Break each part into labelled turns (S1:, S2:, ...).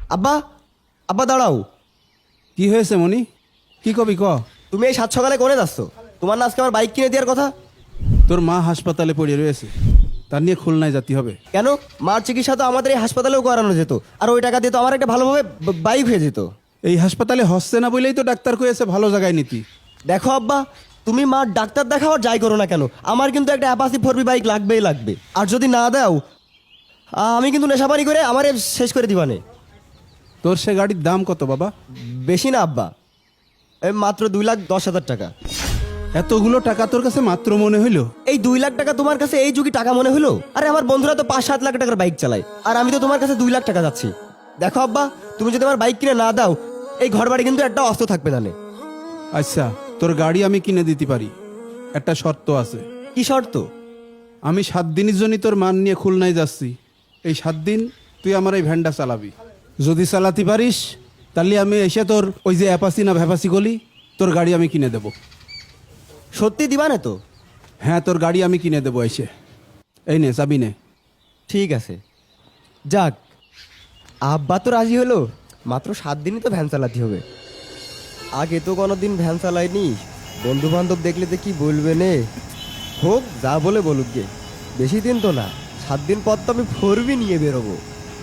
S1: আব্বা, আব্বা দাঁড়াও।
S2: কি হয়েছে মনি? কি কবি ক।
S1: তুমি এই সাত সকালে করে যাচ্ছ? তোমার না আজকে আমার বাইক কিনে দেওয়ার কথা?
S2: তোর মা হাসপাতালে পড়ে রয়েছে, তার নিয়ে খুলনায় যেতে হবে।
S1: কেন? মার চিকিৎসা তো আমাদের এই হাসপাতালেও করানো যেত, আর ওই টাকা দিয়ে তো আমার একটা ভালোভাবে বাইক হয়ে যেত।
S2: এই হাসপাতালে হচ্ছে না বলেই তো ডাক্তার কয়েছে ভালো জায়গায় নিতি।
S1: দেখো আব্বা, তুমি মার ডাক্তার দেখাও আর যাই করো না কেন, আমার কিন্তু একটা অ্যাপাসি 4B বাইক লাগবেই লাগবে। আর যদি না দাও, আমি কিন্তু নেশাপানি করে আমার শেষ করে দিবানে।
S2: তোর সে গাড়ির দাম কত বাবা?
S1: বেশি না আব্বা, এই মাত্র 2,10,000 টাকা।
S2: এতগুলো টাকা তোর কাছে মাত্র মনে হইলো?
S1: এই 2 লাখ টাকা তোমার কাছে এই যুগে টাকা মনে হলো? আরে আমার বন্ধুরা তো 5-7 লাখ টাকার বাইক চালায়, আর আমি তো তোমার কাছে 2 লাখ টাকা যাচ্ছি। দেখো আব্বা, তুমি যদি আমার বাইক কিনে না দাও, এই ঘর বাড়ি কিন্তু একটা অস্ত্র থাকবে না।
S2: আচ্ছা, তোর গাড়ি আমি কিনে দিতে পারি, একটা শর্ত আছে।
S1: কি শর্ত?
S2: আমি 7 দিনের জন্য তোর মান নিয়ে খুলনায় যাচ্ছি। এই 7 দিন তুই আমার এই ভ্যানটা চালাবি। যদি চালাতে পারিস তাহলে আমি এসে তোর ওই যে অ্যাপাসি না ভ্যাপাসি গলি, তোর গাড়ি আমি কিনে দেব।
S1: সত্যি দিবা না তো?
S2: হ্যাঁ, তোর গাড়ি আমি কিনে দেবো এসে। এই নে চাবি নে।
S1: ঠিক আছে, যাক, আব্বা তো রাজি হলো। মাত্র 7 দিনই তো ভ্যান চালাতে হবে। আগে তো কোনোদিন ভ্যান চালাইনি, বন্ধু বান্ধব দেখলে তো কি বলবে নে। হোক, যা বলে বলুক গে, বেশি দিন তো না, 7 দিন পর তো আমি 4B নিয়ে বেরোবো।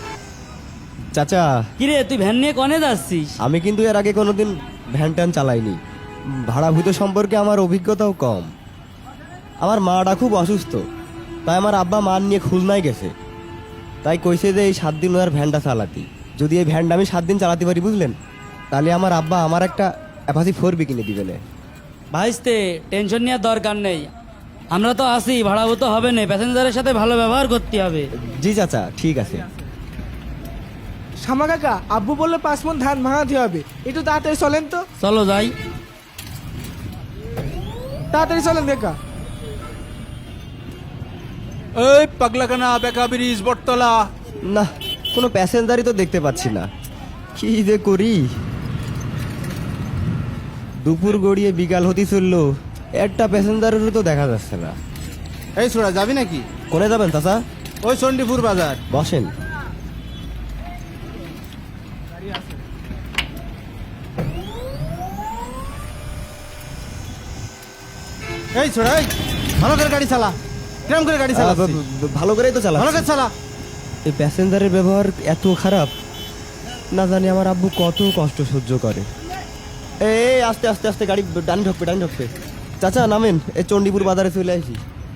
S1: চাচা,
S3: কিরে তুই ভ্যান নিয়ে কনে যাচ্ছিস?
S1: আমি কিন্তু এর আগে কোনোদিন ভ্যান ট্যান চালাইনি, ভাড়াভূত সম্পর্কে আমার অভিজ্ঞতাও কম। আমার মাটা খুব অসুস্থ, তাই আমার আব্বা মা নিয়ে খুলনায় গেছে। তাই কইছে যে এই 7 দিন ওনার ভ্যানটা চালাতি। যদি এই ভ্যানটা আমি 7 দিন চালাতে পারি, বুঝলেন, তাহলে আমার আব্বা আমার একটা অ্যাপাসি 4B কিনে দিবেন।
S3: ভাইস্তে, টেনশন নেওয়ার দরকার নেই, আমরা তো আসি, ভাড়াভূত হবে না, প্যাসেঞ্জারের সাথে ভালো ব্যবহার করতে হবে।
S1: জি চাচা, ঠিক আছে।
S4: শ্যামা কাকা, আব্বু বললো 5 মণ ধান ভাঙাতে হবে, একটু তাড়াতাড়ি চলেন তো।
S3: চলো যাই।
S4: তাড়াতাড়ি চলেন কাকা।
S2: এই পাগলাকানা বেকা ব্রিজ বটতলা।
S1: না, কোনো প্যাসেঞ্জারই তো দেখতে পাচ্ছি না, কি যে করি। দুপুর গড়িয়ে বিকাল হতে চললো, একটা প্যাসেঞ্জারেরও তো দেখা যাচ্ছে না।
S2: এই ছোড়া, যাবি নাকি?
S1: কোনে যাবেন চাচা?
S2: ওই চণ্ডীপুর বাজার।
S1: বসেন।
S2: এই ছোড়া, এই ভালো করে গাড়ি চালা। কেমন করে গাড়ি চালা?
S1: ভালো করেই তো চালা।
S2: ভালো করে চালা।
S1: এই প্যাসেঞ্জারের ব্যবহার এত খারাপ, না জানি আমার আব্বু কত কষ্ট সহ্য করে। এই আস্তে আস্তে আস্তে গাড়ি ডান ঢুকবে, ডান ঢুকবে। চাচা নামেন, এই চণ্ডীপুর বাজারে চলে আসি।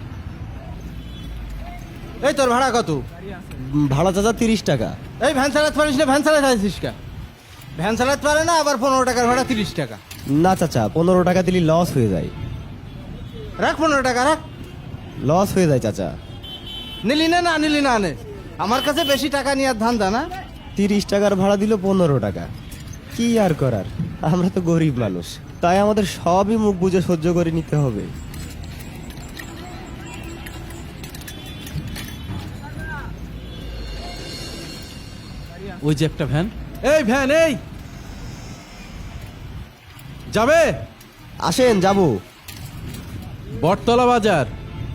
S2: এই তোর ভাড়া কত?
S1: ভাড়া চাচা 30 টাকা।
S2: এই ভ্যান চালাতে পারিস না? ভ্যান চালাতে আসিস কা? ভ্যান চালাতে পারে না, আবার 15 টাকার ভাড়া 30 টাকা।
S1: না চাচা, 15 টাকা দিলে লস হয়ে যায়।
S2: রাখ 15 টাকা রাখ।
S1: লস হয়ে যায় চাচা।
S2: নিলি না? না নিলি না নে। আমার কাছে বেশি টাকা নিয়ে ধান্দা না।
S1: 30 টাকার ভাড়া দিল 15 টাকা, কি আর করার, আমরা তো গরিব মানুষ, তাই আমাদের সবই মুখ বুঝে সহ্য করে নিতে হবে।
S5: ওই যে একটা ভ্যান।
S2: এই ভ্যান, এই যাবে?
S1: আসেন, যাবো।
S5: বটতলা বাজার।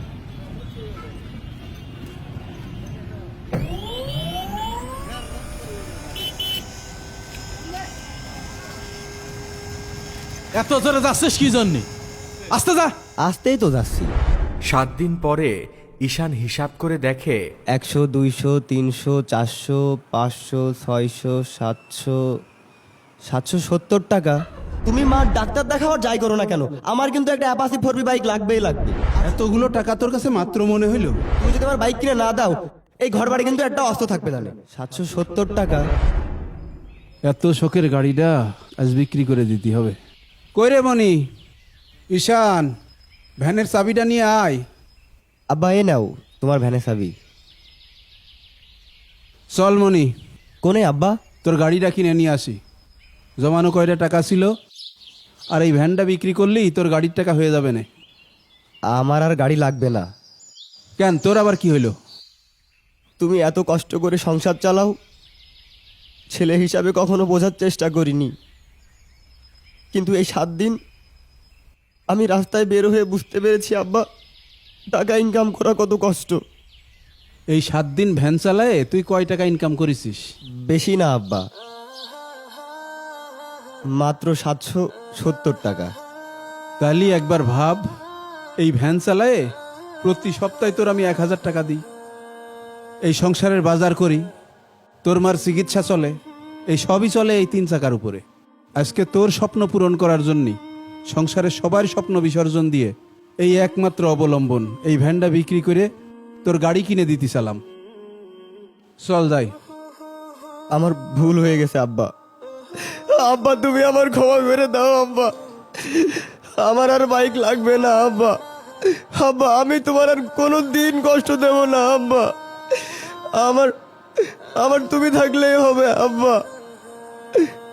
S2: এত জোরে যাচ্ছিস কি জন্যে? আস্তে যা।
S1: আসতেই তো যাচ্ছি।
S6: 7 দিন পরে ঈশান হিসাব করে দেখে
S1: 100, 200, 300, 400, 500, 600, 700, 770 টাকা। তুমি মা ডাক্তার দেখাও আর যাই করো না কেন, আমার কিন্তু একটা অ্যাপাসি 4B বাইক লাগবেই লাগবে।
S2: এতগুলো টাকা তোর কাছে মাত্র মনে হইলো?
S1: তুমি যদি আমার বাইক কিনে না দাও, এই ঘর বাড়ি কিন্তু একটা অস্ত্র থাকবে না। 770 টাকা।
S2: এত শখের গাড়িটা আজ বিক্রি করে দিতে হবে। কই রে মনি? ঈশান, ভ্যানের চাবিটা নিয়ে আয়।
S1: আব্বা, এ নাও তোমার ভ্যানের চাবি।
S2: চল মনি,
S1: কোনে আব্বা?
S2: তোর গাড়িটা কিনে নিয়ে আসি। জমানো কয়টা টাকা ছিল, আর এই ভ্যানটা বিক্রি করলেই তোর গাড়ির টাকা হয়ে যাবে না।
S1: আমার আর গাড়ি লাগবে না।
S2: কেন, তোর আবার কি হইলো?
S1: তুমি এত কষ্ট করে সংসার চালাও, ছেলে হিসাবে কখনো বোঝার চেষ্টা করিনি, কিন্তু এই 7 দিন আমি রাস্তায় বের হয়ে বুঝতে পেরেছি আব্বা, টাকা ইনকাম করা কত কষ্ট।
S2: এই 7 দিন ভ্যান চালায়ে তুই কয় টাকা ইনকাম করেছিস?
S1: বেশি না আব্বা, মাত্র 770 টাকা।
S2: তাহলে একবার ভাব, এই ভ্যান চালায়ে প্রতি সপ্তাহে তোর আমি 1000 টাকা দিই, এই সংসারের বাজার করি, তোর মার চিকিৎসা চলে, এই সবই চলে এই 3 চাকার উপরে। আজকে তোর স্বপ্ন পূরণ করার জন্যই সংসারের সবার স্বপ্ন বিসর্জন দিয়ে এই একমাত্র অবলম্বন এই ভ্যানটা বিক্রি করে তোর গাড়ি কিনে দিতে চালাম। চল যাই।
S1: আমার ভুল হয়ে গেছে আব্বা। আব্বা তুমি আমার ক্ষমা করে দাও আব্বা, আমার আর বাইক লাগবে না আব্বা। আব্বা আমি তোমার আর কোনো দিন কষ্ট দেব না আব্বা, আমার আমার তুমি থাকলেই হবে আব্বা।